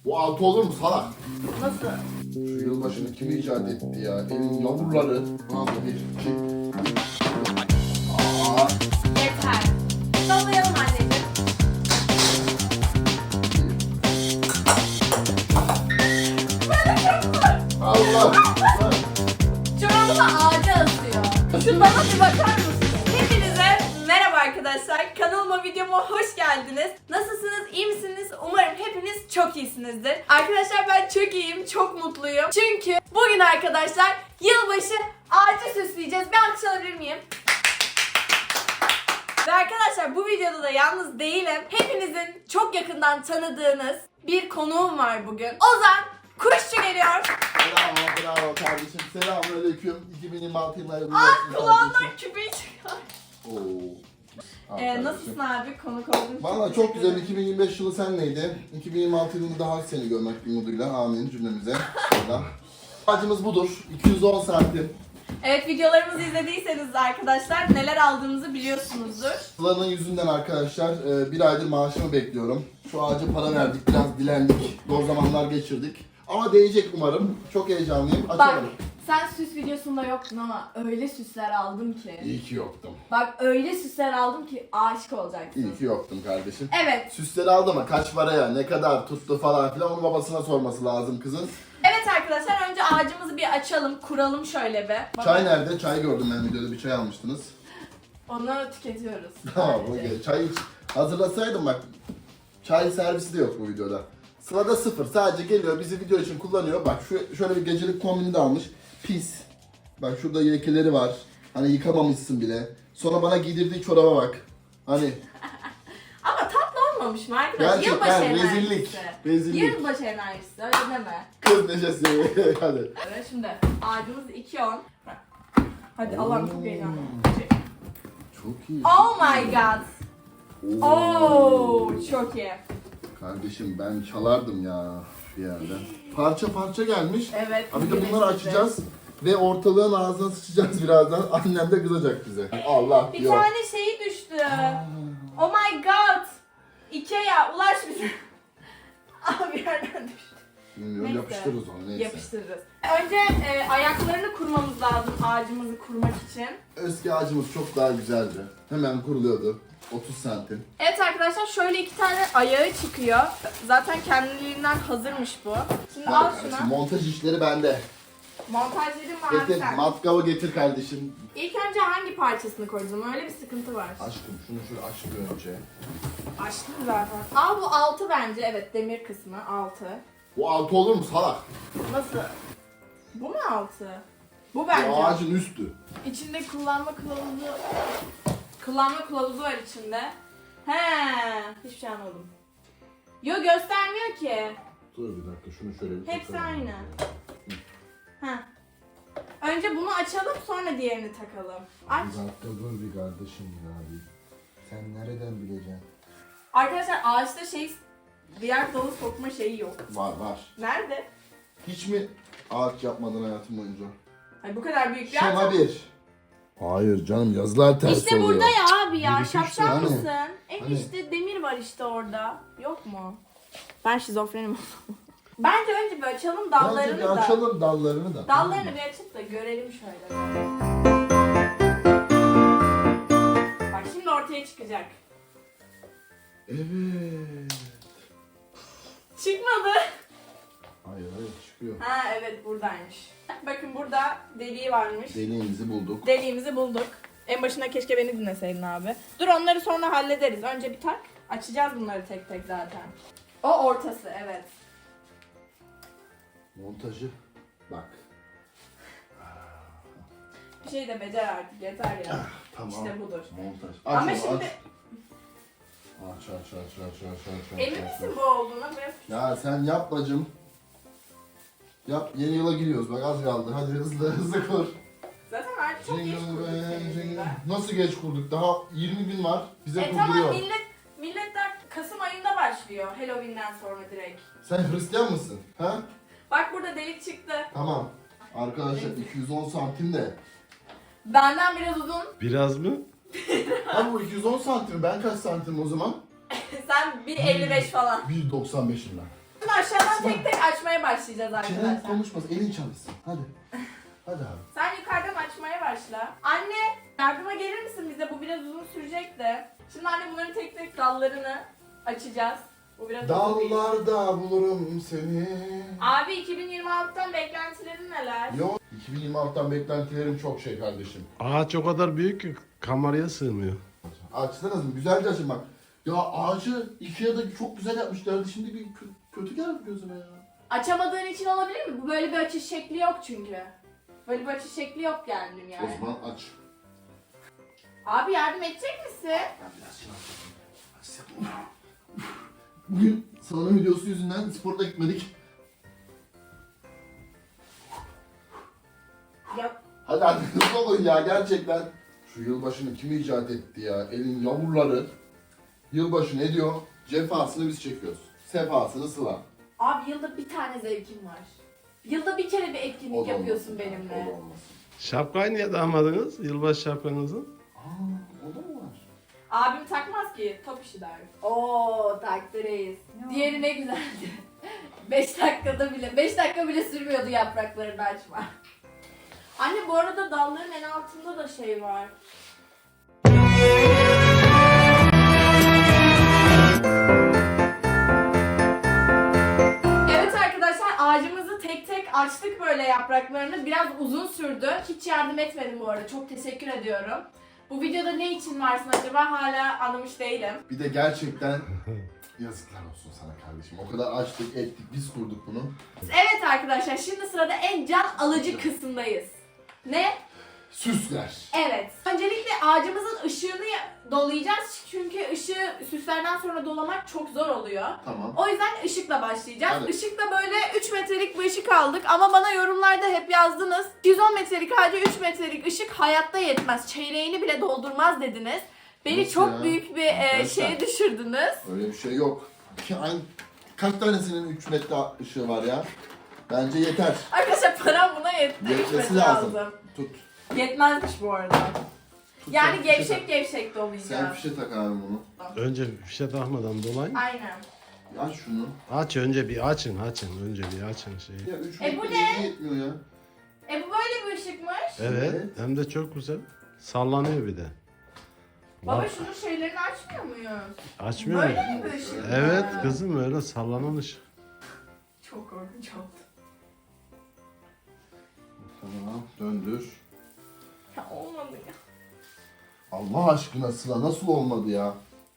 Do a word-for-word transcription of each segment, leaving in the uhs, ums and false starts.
Bu altı olur mu salak? Nasıl? Şu yılbaşını kim icat etti ya? Elin yavruları. Lan bu bir, iki. Aa, Yeter. Sallayalım anneciğim. Allah. Çorabını ağaca asıyor. Şu bana bir bakar mısın? Hepinize merhaba arkadaşlar. Kanalıma, videoma hoş geldiniz. Nasılsınız? İyi misiniz? Umarım hepiniz çok iyisinizdir. Arkadaşlar ben çok iyiyim, çok mutluyum. Çünkü bugün arkadaşlar yılbaşı ağacı süsleyeceğiz. Bir alkış alabilir miyim? Ve arkadaşlar bu videoda da yalnız değilim. Hepinizin çok yakından tanıdığınız bir konuğum var bugün. Ozan Kuşçu geliyor. Bravo, bravo kardeşim. Selamünaleyküm. iki bin yirmi altı yılları Ah, kulağından küpeyi çıkar. Oo. Al Ee, kardeşim. nasılsın abi? Konuk oldun. Valla çok güzel. iki bin yirmi beş yılı senleydi. iki bin yirmi altı yılında daha seni görmek umuduyla. Amin cümlemize. Şöyle. Ağacımız budur. iki yüz on santim. Evet, videolarımızı izlediyseniz arkadaşlar neler aldığımızı biliyorsunuzdur. Sıla'nın yüzünden arkadaşlar e, bir aydır maaşımı bekliyorum. Şu ağaca para verdik, biraz dilendik. Zor zamanlar geçirdik. Ama değecek umarım. Çok heyecanlıyım. Bak, Açalım. sen süs videosunda yoktun ama öyle süsler aldım ki. İyi ki yoktum. Bak öyle süsler aldım ki aşık olacaksın. İyi ki yoktum kardeşim. Evet. Süsleri aldı ama kaç paraya, ne kadar tuttu falan filan onu babasına sorması lazım kızın. Evet arkadaşlar, önce ağacımızı bir açalım, kuralım şöyle bir. Bak, Çay nerede? Çay gördüm ben videoda, bir çay almıştınız. onu tüketiyoruz. Tamam, sadece. okey. Çay iç. Hazırlasaydım bak. Çay servisi de yok bu videoda. Sıla'da sıfır. Sadece geliyor, bizi video için kullanıyor. Bak şu şöyle bir gecelik kombini de almış. Pis. Bak şurada lekeleri var. Hani yıkamamışsın bile. Sonra bana giydirdiği çoraba bak. Hani Ama tatlı olmamış mı arkadaşlar? gerçekten Yılbaşı rezillik. enerjisi. Rezillik. Yılbaşı enerjisi, öyle deme. Kız neşesi. Hadi. Evet, şimdi ağacımız iki on. Hadi Allah'ım çok heyecanlı. Çok iyi. Oh my god. Oo. Oo, çok iyi. Kardeşim ben çalardım ya bir yerden. Parça parça gelmiş. Evet. Abi de bunları birleştireceğiz. açacağız ve ortalığın ağzına sıçacağız birazdan. Annem de kızacak bize. Allah Bir yok. tane şeyi düştü. Oh my god. Ikea ulaş bize. Abi bir yerden düştü. Bilmiyorum, Neyse. yapıştırırız onu neyse. Yapıştırırız. Önce e, ayaklarını kurmamız lazım ağacımızı kurmak için. Eski ağacımız çok daha güzeldi. Hemen kuruluyordu. otuz santim. Evet arkadaşlar, şöyle iki tane ayağı çıkıyor. Zaten kendiliğinden hazırmış bu. Şimdi al Bak kardeşim, şunu. montaj işleri bende. Montajları var Getir, sen. matkabı getir kardeşim. İlk önce hangi parçasını koyacağım? Öyle bir sıkıntı var. Aşkım şunu şöyle aç bir önce. Açtım zaten. Al, bu altı bence. Evet, demir kısmı altı. Bu altı olur mu salak? Nasıl? Bu mu altı? Bu Bu bence. ağacın üstü. İçinde kullanma kılavuzu kullanma kılavuzu var içinde. He, hiçbir şey anlamadım. Yo, göstermiyor ki. Dur bir dakika şunu şöyle bir Hepsi takalım. aynı. He. Önce bunu açalım, sonra diğerini takalım. Aç. Bir dakika dur bir kardeşim ya bir. Sen nereden bileceksin? Arkadaşlar, ağaçta şey diğer dalı sokma şeyi yok. Var var. Nerede? Hiç mi ağaç yapmadın hayatım boyunca? Ay, bu kadar büyük bir Şema ağaç. bir. Hayır canım, yazılar ters İşte oluyor. burada ya abi ya. Bir, iki, üç, Şapşal hani? mısın? En Hani? işte demir var işte orada. Yok mu? Ben şizofrenim. Bence önce bir açalım dallarını Bence bir da. açalım dallarını da. Dallarını bir açıp da görelim şöyle. Bak şimdi ortaya çıkacak. Evet. Çıkmadı. Hayır hayır çıkıyor. Ha evet, buradaymış. Bakın burada deliği varmış. Deliğimizi bulduk. Deliğimizi bulduk. En başına keşke beni dinleseydin abi. Dur, onları sonra hallederiz. Önce bir tak. Açacağız bunları tek tek zaten. O ortası, evet. Montajı. Bak. Bir şey de becer artık, yeter ya. Tamam. İşte budur. Montaj. Aç Ama onu, şimdi aç. Aç aç aç aç aç aç aç. emin aç, misin aç. bu olduğuna? Biraz... Ya sen yap bacım. Yap, yeni yıla giriyoruz bak, az kaldı. Hadi hızlı hızlı kur. Zaten artık çok geç Jingle kurduk bell, senin jingle. yüzünden. Nasıl geç kurduk? Daha yirmi gün var. Bize E kurduruyor. tamam, millet, milletler Kasım ayında başlıyor. Halloween'den sonra direkt. Sen Hristiyan mısın? Ha? Bak burada delik çıktı. Tamam. Arkadaşlar iki yüz on santim de. Benden biraz uzun. Biraz mı? Ha bu iki yüz on santim. Ben kaç santim o zaman? Sen bir elli beş falan. bir doksan beşim ben. Şimdi aşağıdan tek tek açmaya başlayacağız Çenen arkadaşlar. konuşmasın, elin çalışsın. Hadi. Hadi abi. Sen yukarıdan açmaya başla. Anne yardıma gelir misin bize? Bu biraz uzun sürecek de. Şimdi anne bunların tek tek dallarını açacağız. Bu biraz uzun değil. Dallarda bulurum seni. Abi iki bin yirmi altıdan beklentilerin neler? Yok. iki bin yirmi altıdan beklentilerim çok şey kardeşim. Ağaç o kadar büyük ki kameraya sığmıyor. Açsanız mı? Güzelce açın bak. Ya ağacı Ikea'da çok güzel yapmışlardı. Şimdi bir kö- kötü geldi gözüme ya. Açamadığın için olabilir mi? Bu böyle bir açış şekli yok çünkü. Böyle bir açış şekli yok geldim yani. O zaman aç. Abi yardım edecek misin? Ben biraz şey yapayım. Aç yapayım. Bugün salonun videosu yüzünden sporda gitmedik. Ya Hadi hadi hızlı olun ya gerçekten. Şu yılbaşını kim icat etti ya? Elin yavruları. Yılbaşı ne diyor? Cefasını biz çekiyoruz. Sefasını Sıla. abi yılda bir tane zevkim var. Yılda bir kere bir etkinlik O da yapıyorsun olmasın ya, benimle. o da olmasın. Şapkayı niye dağmadınız? Yılbaşı şapkanızı. Aa, o da mı var? Abim takmaz ki, top işi der. Oo taktı reis. Diğeri ne güzeldi. beş dakikada bile, beş dakika bile sürmüyordu yapraklarını açma. Anne bu arada dalların en altında da şey var. Evet arkadaşlar ağacımızı tek tek açtık böyle yapraklarını. Biraz uzun sürdü. Hiç yardım etmedim bu arada. Çok teşekkür ediyorum. Bu videoda ne için varsın acaba hala anlamış değilim. Bir de gerçekten yazıklar olsun sana kardeşim. O kadar açtık, ettik, biz kurduk bunu. Evet arkadaşlar şimdi sırada en can alıcı kısımdayız. Ne? Süsler. Evet. Öncelikle ağacımızın ışığını dolayacağız çünkü ışığı süslerden sonra dolamak çok zor oluyor. Tamam. O yüzden ışıkla başlayacağız. Evet. Işıkla böyle üç metrelik bir ışık aldık ama bana yorumlarda hep yazdınız. yüz on metrelik ağaca üç metrelik ışık hayatta yetmez. Çeyreğini bile doldurmaz dediniz. Beni Nasıl çok ya? büyük bir e, Arkadaşlar. şeye düşürdünüz. Öyle bir şey yok. Ki aynı, kaç tanesinin üç metre ışığı var ya? Bence yeter. Arkadaşlar param buna yetti. üç Yetmesi metre lazım. lazım. Tut. Yetmezmiş bu arada. Tut Yani sen fişe gevşek tak. gevşek Sen dolayacağım. fişe tak abi bunu. Önce fişe takmadan dolayın. Aynen. Aç şunu. Aç önce bir açın açın. Önce bir açın şeyi. Ya üç E bu metre ne? yetmiyor ya. E bu böyle bir ışıkmış. Evet. Evet. Hem de çok güzel. Sallanıyor bir de. Baba Bak, şunun şeylerini açmıyor muyuz? açmıyor mu? Böyle mi bir ışık? Evet var? kızım öyle sallanan ışık. Çok korkunç oldu. Tamam döndür. Ya olmadı ya. Allah aşkına Sıla nasıl olmadı ya?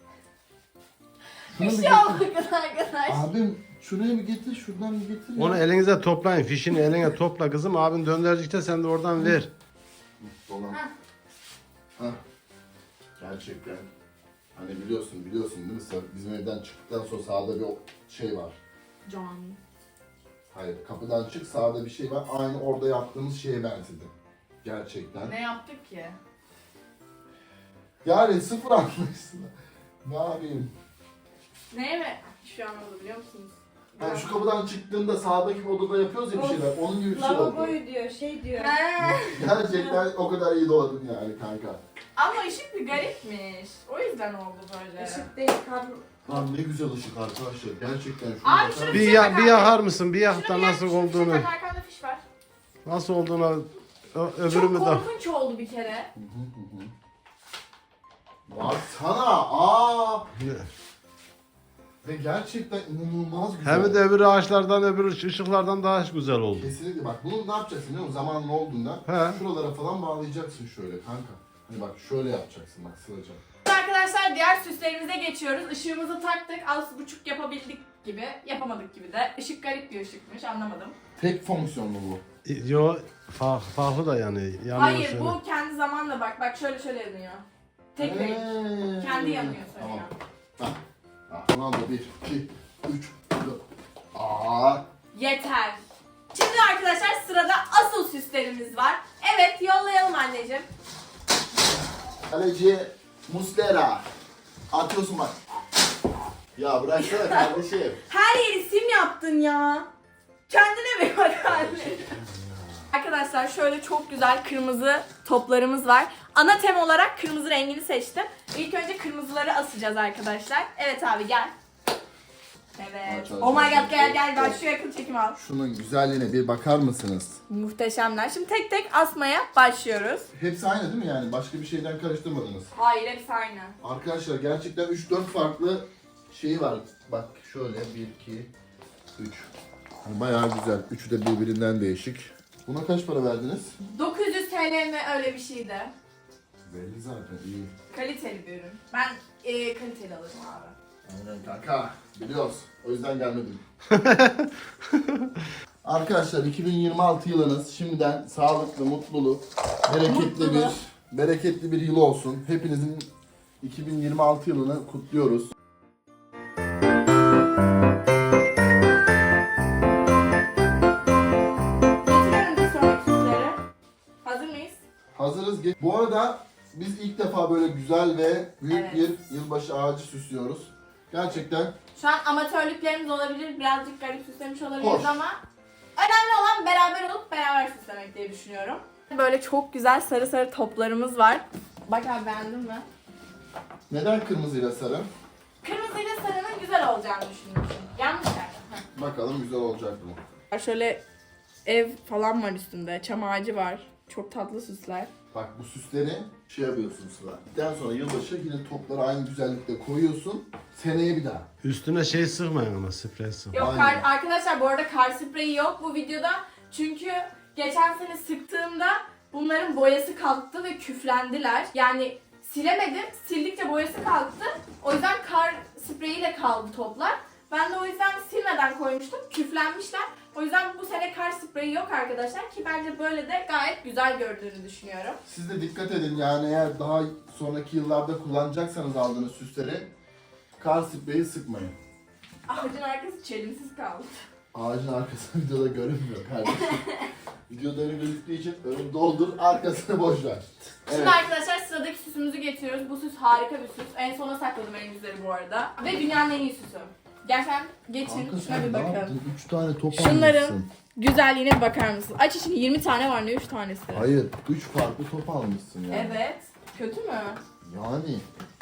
Şunu Bir bir şey getir. olmadı arkadaş. Abim şuraya bir getir, şuradan bir getir ya. Onu elinize toplayın. Fişini eline topla kızım. Abin döndürdükçe sen de oradan ver. Dolan. Heh. Hah. Gerçekten. Hani biliyorsun, biliyorsun değil mi? Sa- Bizim evden çıktıktan sonra sağda bir o- şey var. John. Hayır, kapıdan çık sağda bir şey var. Aynı orada yaptığımız şeye benzedi. Gerçekten. Ne yaptık ki? Yani sıfır anlaşsın. Ne yapayım? Neye mi? Şu an oldu biliyor musunuz? Yani şu kapıdan çıktığında sağdaki bir odada yapıyoruz ya bir şeyler. Onun gibi bir şey oldu. Lavaboyu diyor, şey diyor. He. Gerçekten o kadar iyi doladın yani kanka. Ama ışık bir garipmiş. O yüzden oldu böyle. Işık değil, kablo. Lan ne güzel ışık arkadaşlar. Gerçekten şuna Abi bakar şunu mısın? Bir, ya, bir yakar mısın? Bir yak da Şunu nasıl yak, şunu olduğunu. tak, arkanda fiş var. Nasıl olduğunu ö- Çok öbürümü de. korkunç oldu bir kere. Baksana. Aa. Ve gerçekten inanılmaz güzel. Hem de öbür ağaçlardan öbür ışıklardan daha güzel oldu. Kesinlikle bak bunu ne yapacaksın biliyor musun? Zamanın olduğunda He. şuralara falan bağlayacaksın şöyle kanka. Hani bak şöyle yapacaksın bak Sıla'cığım. Arkadaşlar diğer süslerimize geçiyoruz. Işığımızı taktık. Az buçuk yapabildik gibi. Yapamadık gibi de. Işık garip bir ışıkmış. Anlamadım. Tek fonksiyonlu bu. Yo fa- farklı da yani. Yanıyor Hayır seni. bu kendi zamanla bak. Bak şöyle şöyle yanıyor. Tek renk. Ee. Kendi yanıyor sonra. Tamam. Bak. Bak bunu al da bir, iki, üç, dört. Aa. Yeter. Şimdi arkadaşlar sırada asıl süslerimiz var. Evet yollayalım anneciğim. Kaleci Muslera. Atıyorsun bak. Ya bıraksana kardeşim. Her yeri sim yaptın ya. Kendine bir bak anne. Arkadaşlar şöyle çok güzel kırmızı toplarımız var. Ana tem olarak kırmızı rengini seçtim. İlk önce kırmızıları asacağız arkadaşlar. Evet abi gel. Evet. Aç, aç, Oh my aç, god aç, gel aç, gel ben aç. şu yakın çekim al. Şunun güzelliğine bir bakar mısınız? Muhteşemler. Şimdi tek tek asmaya başlıyoruz. Hepsi aynı değil mi yani? Başka bir şeyden karıştırmadınız. Hayır hepsi aynı. Arkadaşlar gerçekten üç dört farklı şeyi var. Bak şöyle bir iki üç. Bayağı güzel. Üçü de birbirinden değişik. Buna kaç para verdiniz? dokuz yüz T L mi öyle bir şeydi. Belli zaten iyi. Kaliteli bir ürün. Ben e, kaliteli alırım abi. Aynen kanka. Biliyoruz. O yüzden gelmedim. Arkadaşlar iki bin yirmi altı yılınız şimdiden sağlıklı, mutlulu, bereketli Mutlulu. bir bereketli bir yıl olsun. Hepinizin iki bin yirmi altı yılını kutluyoruz. Getiriyorum bir sonraki süsleri. Hazır mıyız? Hazırız. Ge- Bu arada biz ilk defa böyle güzel ve büyük Evet. bir yılbaşı ağacı süslüyoruz. Gerçekten Şu an amatörlüklerimiz olabilir. Birazcık garip süslemiş olabiliriz Hoş. ama önemli olan beraber olup beraber süslemek diye düşünüyorum. Böyle çok güzel sarı sarı toplarımız var. Bak abi beğendin mi? neden kırmızıyla sarı? Kırmızıyla sarının güzel olacağını düşünmüşüm. Yanlış yerden. Bakalım güzel olacak mı? Heh. Şöyle ev falan var üstünde. Çam ağacı var. Çok tatlı süsler. Bak bu süsleri şey yapıyorsun Sıla. Daha sonra yılbaşı yine topları aynı güzellikte koyuyorsun. Seneye bir daha. Üstüne şey sıkmayın ama sprey sıkmayın. Yok Aynen. kar, arkadaşlar bu arada kar spreyi yok bu videoda. Çünkü geçen sene sıktığımda bunların boyası kalktı ve küflendiler. Yani silemedim. Sildikçe boyası kalktı. O yüzden kar spreyiyle kaldı toplar. Ben de o yüzden silmeden koymuştum. Küflenmişler. O yüzden bu sene kar spreyi yok arkadaşlar ki bence böyle de gayet güzel gördüğünü düşünüyorum. Siz de dikkat edin yani eğer daha sonraki yıllarda kullanacaksanız aldığınız süsleri kar spreyi sıkmayın. Ağacın arkası çelimsiz kaldı. Ağacın arkası videoda görünmüyor kardeşim. Videoda öyle gözüktüğü için önünü doldur, arkasını boş ver. Şimdi Evet. arkadaşlar sıradaki süsümüzü getiriyoruz. Bu süs harika bir süs. En sona sakladım en güzeli bu arada. Ve dünyanın en iyi süsü. Gerçekten geçin Kanka şuna sen bir ne bakın. yaptın? üç tane top Şunların almışsın. güzelliğine bir bakar mısın? Aç içini yirmi tane var ne üç tanesi? Hayır, üç farklı top almışsın yani. Evet. Kötü mü? Yani.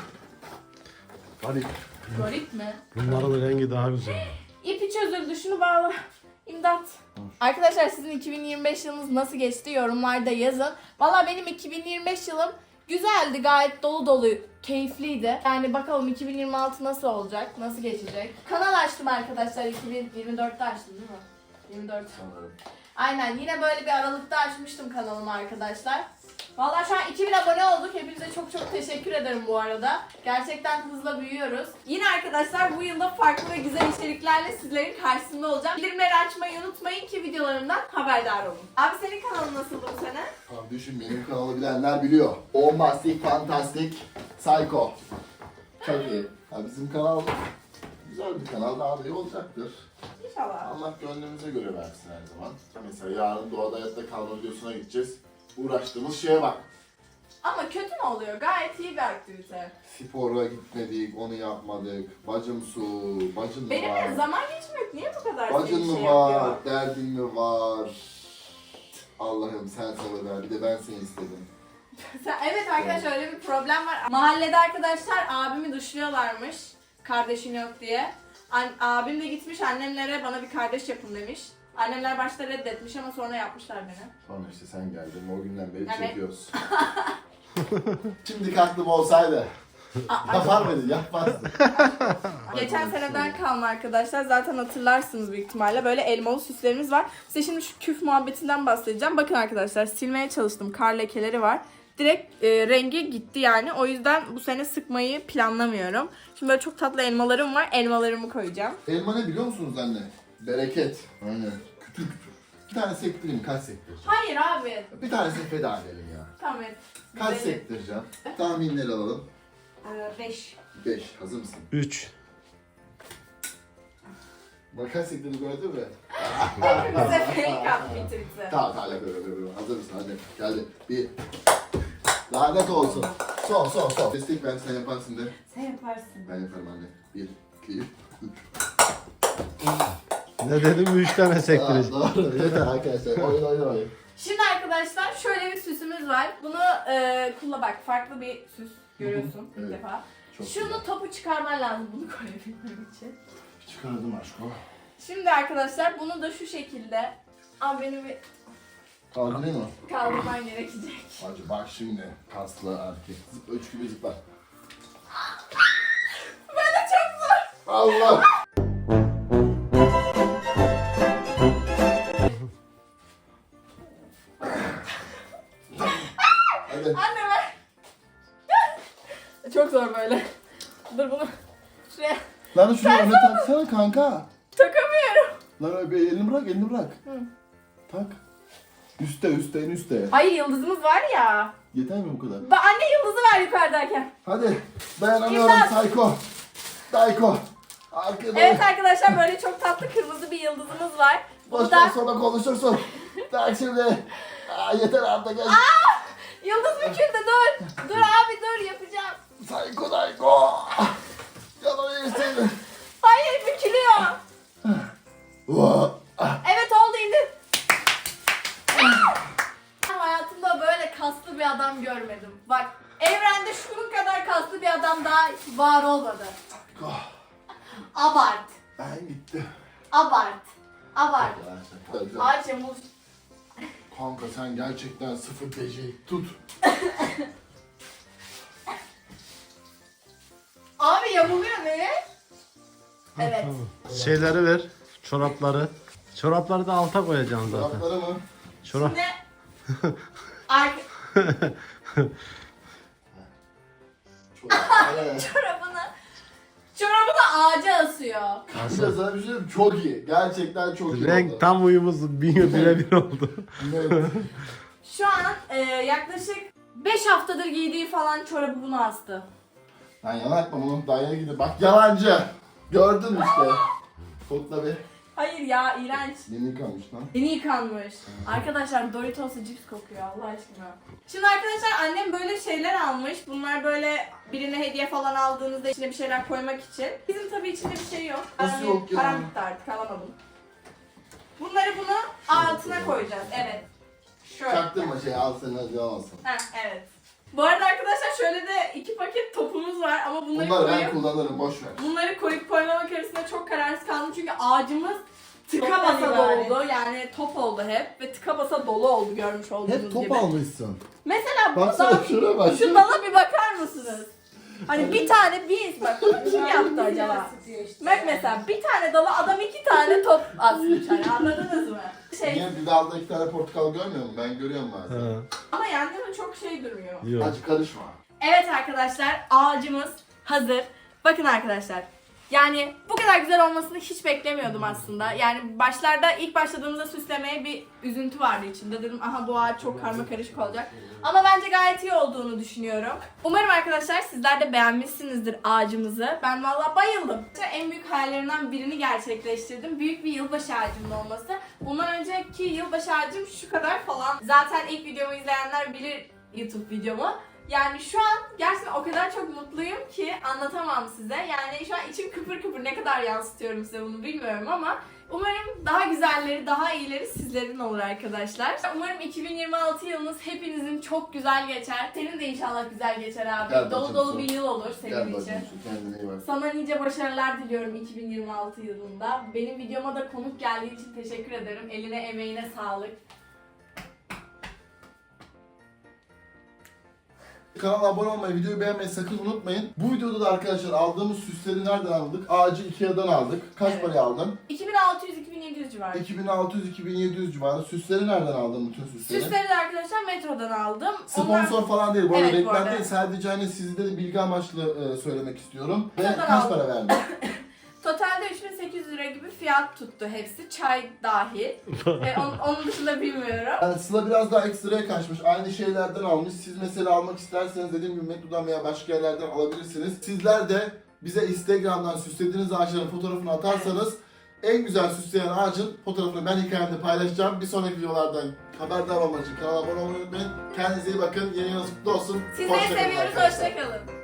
Garip. Garip mi? Bunların rengi daha güzel. İpi çözüldü şunu bağla. İmdat. Arkadaşlar sizin iki bin yirmi beş yılınız nasıl geçti yorumlarda yazın. Valla benim iki bin yirmi beş yılım güzeldi, gayet dolu dolu, keyifliydi. Yani bakalım iki bin yirmi altı nasıl olacak, nasıl geçecek. Kanal açtım arkadaşlar, iki bin yirmi dörtte açtım değil mi? yirmi dört. Aynen, yine böyle bir aralıkta açmıştım kanalımı arkadaşlar. Valla şu an iki bin abone olduk. Hepinize çok çok teşekkür ederim bu arada. Gerçekten hızla büyüyoruz. Yine arkadaşlar bu yılda farklı ve güzel içeriklerle sizlerin karşısında olacağım. Bildirimleri açmayı unutmayın ki videolarımdan haberdar olun. Abi senin kanalın nasıldı bu sene? Kardeşim benim kanalı bilenler biliyor. Bombastik, fantastik, psycho. Çok iyi. Ha, bizim kanal güzel bir kanal, daha da iyi olacaktır. İnşallah. Allah gönlümüze göre versin her zaman. Mesela yarın doğada hayatta kalma videosuna gideceğiz. Uğraştığımız şeye bak. Ama kötü mü oluyor? Gayet iyi bir aktivite. Spora gitmedik, onu yapmadık. Bacım su, bacın mı Benim var? de zaman geçmek niye bu kadar Bacın seni mı şey var, yapıyor? derdin mi var? Allah'ım sen sabır ver, bir de ben seni istedim. Sen- Evet arkadaşlar öyle bir problem var. Mahallede arkadaşlar abimi dışlıyorlarmış. Kardeşin yok diye. An- abim de gitmiş annemlere bana bir kardeş yapın demiş. Annemler başta reddetmiş ama sonra yapmışlar beni. Sonra işte sen geldin, o günden beri Evet. çekiyoruz. Şimdi aklım olsaydı. Yapar mıydın? Yapmazdın. Geçen seneden kalma arkadaşlar. Zaten hatırlarsınız büyük ihtimalle. Böyle elmalı süslerimiz var. Size şimdi şu küf muhabbetinden bahsedeceğim. Bakın arkadaşlar silmeye çalıştım. Kar lekeleri var. Direkt e, rengi gitti yani. O yüzden bu sene sıkmayı planlamıyorum. Şimdi böyle çok tatlı elmalarım var. Elmalarımı koyacağım. Elma ne biliyor musunuz anne? Bereket. Aynen. Kütür kütür. Bir tane sektireyim, kaç sektireceğim? Hayır abi. Bir tanesini feda edelim ya. Tamam et. Kaç Benim. sektireceğim? Tahminleri alalım. beş. beş. Hazır mısın? üç. Bak kaç sektirdiğini gördün mü? Bize fake at bitirdi. Tamam tamam yapıyorum yapıyorum. Hazır mısın? Hadi geldi. Bir. Lanet olsun. Son son son. Destek ver, sen yaparsın de. Sen yaparsın. Ben yaparım anne. Bir, iki, üç. Ne dedim üç tane Aa, sektireceğim. doğru. Yeter arkadaşlar. Oyun oyun oyun. Şimdi arkadaşlar şöyle bir süsümüz var. Bunu e, kullan bak farklı bir süs görüyorsun Evet. ilk defa. Çok Şunu güzel. topu çıkarman lazım bunu koyabilmem için. Çıkardım aşkım. Şimdi arkadaşlar bunu da şu şekilde. Abi beni bir Kaldırayım mı? kaldırman gerekecek. Hacı bak şimdi. Kaslı erkek. Zıpla üç gibi zıpla. Böyle çok zor. Allah! Hadi. Anne ver. Çok zor böyle. Dur bunu şuraya Lan şuraya öne taksana kanka. takamıyorum. Lan öyle bir elini bırak, elini bırak. Hı. Tak. Üste, üste, en üste. Hayır yıldızımız var ya. Yeter mi bu kadar? Ba anne yıldızı ver yukarıdayken. Hadi. Dayanamıyorum İmdat. Sayko. Sayko. Arkada. Evet arkadaşlar böyle çok tatlı kırmızı bir yıldızımız var. Boştan Burada sonra konuşursun. Tak şimdi. Aa, yeter artık. Gel. yıldız büküldü dur. Dur abi dur yapacağım. Sayko, Sayko. Yalan iyisin. Hayır bükülüyor. Vaa. Evet oldu indir. Ben hayatımda böyle kaslı bir adam görmedim. Bak evrende şunun kadar kaslı bir adam daha var olmadı. Sayko. Abart. Ben gittim. Abart. Abart. Arkadaşlar. Ayça muz. Kanka sen gerçekten sıfır beceri. Tut. Abi yamuluyor ne? Evet. Şeyleri ver. Çorapları. Çorapları da alta koyacaksın zaten. Tarafları mı? Çorap. Şimdi Ar- Çorapları. çorabını çorabını ağaca asıyor. Kanka sana bir şey diyeyim, çok iyi. Gerçekten çok iyi Renk oldu. tam uyumuz birebir oldu. Evet. Şu an e, yaklaşık beş haftadır giydiği falan çorabı bunu astı. Lan yalan atma bunu. Daha yeni gidiyor. Bak yalancı. Gördün mü işte. Kokla bir. Hayır ya iğrenç. Yeni yıkanmış lan. Yeni yıkanmış. Arkadaşlar Doritos'u cips kokuyor Allah aşkına. Şimdi arkadaşlar annem böyle şeyler almış. Bunlar böyle birine hediye falan aldığınızda içine bir şeyler koymak için. Bizim tabii içinde bir şey yok. Nasıl Param- yok ya? Param bitti artık alamadım. Bunları bunu altına koyacağız. Evet. Şöyle. Çaktırma şey al sen hadi alsın. Heh, evet. Bu arada arkadaşlar şöyle de iki paket topumuz var ama bunları Bunları ben koyup kullanırım boş ver. bunları koyup koymamak arasında çok kararsız kaldım çünkü ağacımız tıka Toptan basa ibaret. doldu. Yani top oldu hep ve tıka basa dolu oldu görmüş olduğunuz Hep top gibi. almışsın. Mesela bu Baksana dal, şuna bak. şu dala bir bakar mısınız? Hani bir tane bir bak bunu kim yaptı acaba? Bak mesela bir tane dala adam iki tane top asmış hani anladınız mı? Şey Niye bir dalda iki tane portakal görmüyor musun? Ben görüyorum bazen. Ha, ama yan yana çok şey durmuyor. yok. Hacı karışma. Evet arkadaşlar ağacımız hazır. Bakın arkadaşlar. Yani bu kadar güzel olmasını hiç beklemiyordum aslında. Yani başlarda ilk başladığımızda süslemeye bir üzüntü vardı içimde. Dedim aha bu ağaç çok karma karışık olacak. Ama bence gayet iyi olduğunu düşünüyorum. Umarım arkadaşlar sizler de beğenmişsinizdir ağacımızı. Ben vallahi bayıldım. En büyük hayallerimden birini gerçekleştirdim. Büyük bir yılbaşı ağacımın olması. Bundan önceki yılbaşı ağacım şu kadar falan. Zaten ilk videomu izleyenler bilir YouTube videomu. Yani şu an gerçekten o kadar çok mutluyum ki anlatamam size. Yani şu an içim kıpır kıpır, ne kadar yansıtıyorum size bunu bilmiyorum ama umarım daha güzelleri, daha iyileri sizlerin olur arkadaşlar. Umarım iki bin yirmi altı yılınız hepinizin çok güzel geçer. Senin de inşallah güzel geçer abi. Gel dolu bakayım dolu sen. bir yıl olur Gel senin için. bakayım şu kendine iyi bak. Sana nice başarılar diliyorum iki bin yirmi altı yılında. Benim videoma da konuk geldiği için teşekkür ederim. Eline emeğine sağlık. Kanala abone olmayı, videoyu beğenmeyi sakın unutmayın. Bu videoda da arkadaşlar aldığımız süsleri nereden aldık? Ağacı Ikea'dan aldık. Kaç Evet. paraya aldın? iki bin altı yüz iki bin yedi yüz civarı. iki bin altı yüz iki bin yedi yüz civarı. Süsleri nereden aldın bütün süsleri? Süsleri de arkadaşlar Metro'dan aldım. Onlar- Sponsor falan değil. Bu arada Evet, bu reklam arada. değil. Sadece hani sizde de bilgi amaçlı e, söylemek istiyorum. Ve Metro'dan kaç aldım. para verdin? Totalde üç bin sekiz yüz lira gibi fiyat tuttu hepsi. Çay dahil. e, onun, onun dışında bilmiyorum. Yani Sıla biraz daha ekstraya kaçmış. Aynı şeylerden almış. Siz mesela almak isterseniz dediğim gibi Metro'dan veya başka yerlerden alabilirsiniz. Sizler de bize Instagram'dan süslediğiniz ağaçların fotoğrafını atarsanız en güzel süsleyen ağacın fotoğrafını ben hikayemde paylaşacağım. Bir sonraki videolardan haberdar olmak için kanala abone olmayı unutmayın. Kendinize iyi bakın. Yeni yılınız kutlu olsun. Sizleri Hoşça kalın seviyoruz. arkadaşlar. Hoşçakalın.